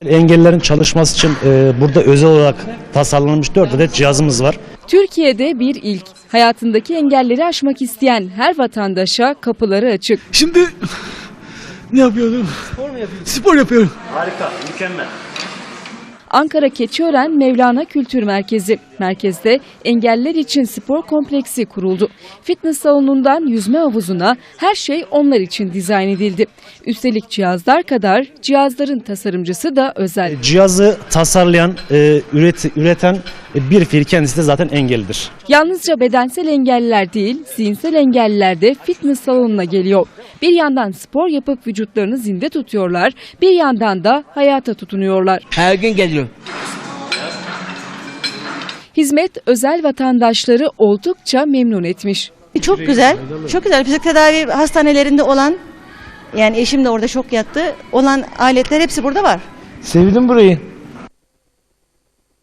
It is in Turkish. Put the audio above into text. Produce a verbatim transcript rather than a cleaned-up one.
Engellilerin çalışması için e, burada özel olarak tasarlanmış dört adet cihazımız var. Türkiye'de bir ilk. Hayatındaki engelleri aşmak isteyen her vatandaşa kapıları açık. Şimdi ne yapıyorum? Spor mu yapıyorsun? Spor yapıyorum. Harika, mükemmel. Ankara Keçiören Mevlana Kültür Merkezi. Merkezde engelliler için spor kompleksi kuruldu. Fitness salonundan yüzme havuzuna her şey onlar için dizayn edildi. Üstelik cihazlar kadar cihazların tasarımcısı da özel. Cihazı tasarlayan, e, üret, üreten e, bir fiil kendisi de zaten engellidir. Yalnızca bedensel engelliler değil, zihinsel engelliler de fitness salonuna geliyor. Bir yandan spor yapıp vücutlarını zinde tutuyorlar, bir yandan da hayata tutunuyorlar. Her gün geliyor. Hizmet özel vatandaşları oldukça memnun etmiş. Çok güzel, çok güzel. Fizik tedavi hastanelerinde olan, yani eşim de orada şok yattı, olan aletler hepsi burada var. Sevdim burayı.